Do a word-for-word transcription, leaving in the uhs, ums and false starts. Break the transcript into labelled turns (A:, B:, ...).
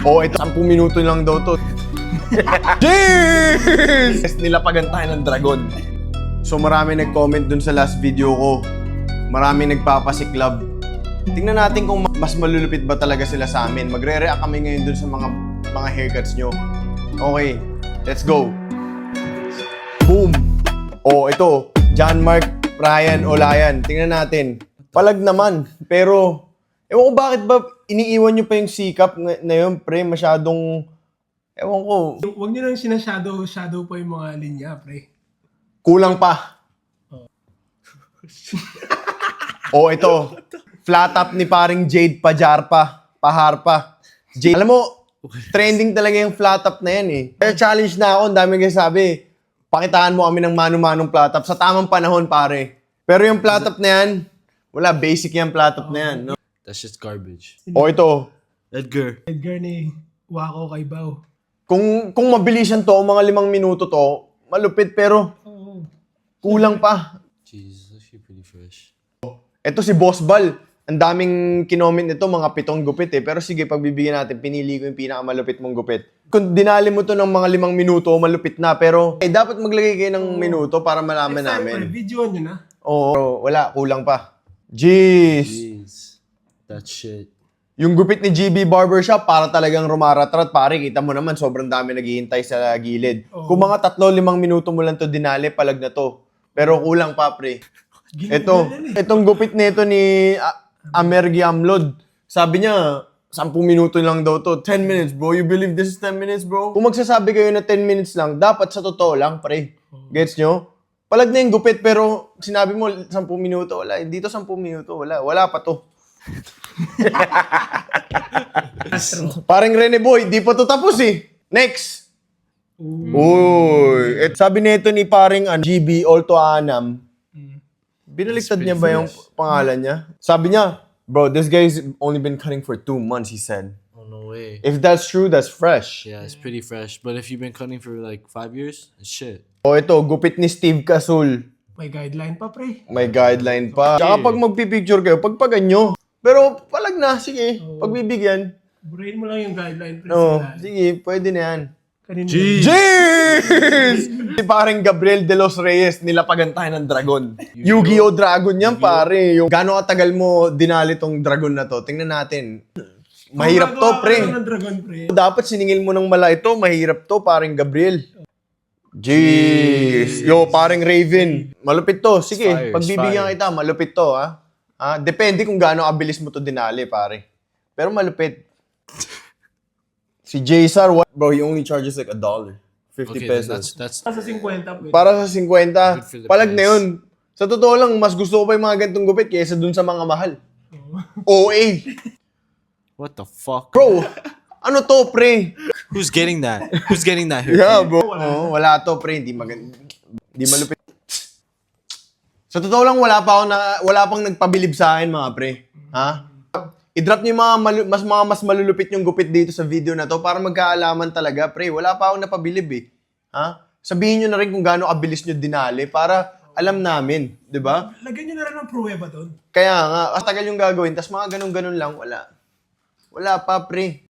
A: Oh, ito, sampung minuto lang daw to. Cheers! Nilapagan tayo ng dragon. So marami nag-comment dun sa last video ko. Marami nagpapasiklab. Tingnan natin kung mas malulupit ba talaga sila sa amin. Magre-react kami ngayon dun sa mga mga haircuts nyo. Okay, let's go. Boom! Oh, ito. John Mark, Ryan, Olayan. Tingnan natin. Palag naman. Pero, ewan ko bakit ba iniiwan nyo pa yung sikap na, na yun, pre. Masyadong, ewan ko.
B: Huwag nyo lang sinashadow, shadow pa yung mga linya, pre.
A: Kulang pa. Oh, ito. Flat top ni paring Jade Pajarpa. Paharpa. Jade. Alam mo, trending talaga yung flat top na yan eh. Kaya challenge na ako, ang dami kayo sabi. Pakitaan mo kami ng mano-manong flat top sa tamang panahon, pare. Pero yung flat top na yan, wala, basic yung flat top na yan. No?
C: That's just garbage.
A: O ito,
C: Edgar.
B: Edgar ni Wako kay Bao.
A: kung kung mabilisan to, mga limang minuto to, malupit pero
B: Oo.
A: kulang pa.
C: Jesus, actually pretty fresh.
A: Ito si Boss Bal. Ang daming kinoment nito, mga pitong gupit eh. Pero sige, pagbibigyan natin, pinili ko yung pinakamalupit mong gupit. Kung dinali mo to ng mga limang minuto, malupit na. Pero eh, dapat maglagay kayo ng minuto para malaman
B: Next time,
A: namin.
B: ano, videoan nyo na.
A: Oo, pero wala, kulang pa. Jeez!
C: Jeez. That shit.
A: Yung gupit ni G B Barbershop, para talagang rumaratrat. Pare, kita mo naman, sobrang dami naghihintay sa gilid.
B: Oo.
A: Kung mga tatlo, limang minuto mo lang to dinali, palag na to. Pero kulang pa, pre. Ito, itong gupit nito ni A- Amergi Amlod. Sabi niya, sampung minuto lang daw to. ten minutes, bro. You believe this is ten minutes, bro? Kung magsasabi kayo na ten minutes lang, dapat sa totoo lang, pre. Gets nyo? Palag na yung gupit, pero sinabi mo sampung minuto, wala. Dito sampung minuto, wala. Wala pa to. Parang Rene Boy, di pa to tapos eh. Next. Uy. Et, sabi nito ni paring uh, G B Olto Anam, binaliktad niya ba yung pangalan niya? Sabi niya, bro, this guy's only been cutting for two months, he said.
C: Oh, no way.
A: If that's true, that's fresh.
C: Yeah, it's pretty fresh. But if you've been cutting for like five years, it's shit.
A: O ito, gupit ni Steve Casul.
B: May guideline pa, pre.
A: May guideline pa. Tsaka pag magpipicture kayo, pagpagan nyo. Pero palag na, sige, pagbibigyan.
B: Burahin mo lang yung guideline, pre.
A: No,
B: Sila.
A: sige, pwede na yan.
B: Kanina.
A: Jeez! Si parang Gabriel de los Reyes, nilapagan tayo ng dragon. Yu-Gi-Oh! Dragon yan, pare. Yung gano'ng katagal mo dinali tong dragon na to, tingnan natin. Mahirap to,
B: Gumagawa ka
A: pre.
B: lang ng dragon, pre.
A: Dapat siningil mo ng mala ito, mahirap to, parang Gabriel. Jeez! Yo, parang Raven. Malupit to. Sige,
C: Fire,
A: pagbibigyan
C: fire.
A: kita, malupit to, ha? Ah, depende kung gaano kabilis mo to dinali, pare. Pero malupit. Si J-Sar, what? Bro, he only charges like a dollar. fifty
C: Okay, then
A: pesos.
C: that's that's
B: Sa fifty, pre.
A: Para sa fifty,
C: Good for the
A: palag na
C: price.
A: yun. Sa totoo lang, mas gusto ko pa yung mga gantong gupit kaysa dun sa mga mahal. O A.
C: what the fuck?
A: Bro, ano to, pre?
C: Who's getting that? Who's getting that here?
A: Yeah, bro. Oh, wala to, pre. Hindi maganda. Hindi malupit. Sa totoo lang, wala pa ako na, wala pang nagpabilib sa akin, mga pre. Ha? I-drop niyo yung mga malu- mas mga mas malulupit yung gupit dito sa video na to para magkaalaman talaga, pre. Wala pa akong napabilib eh. Ha? Sabihin niyo na rin kung gaano kabilis niyo dinali para alam namin, 'di ba?
B: Lagyan nyo na rin ng pruweba doon.
A: Kaya nga, tagal yung gagawin, tas mga ganun-ganun lang, wala. Wala pa, pre.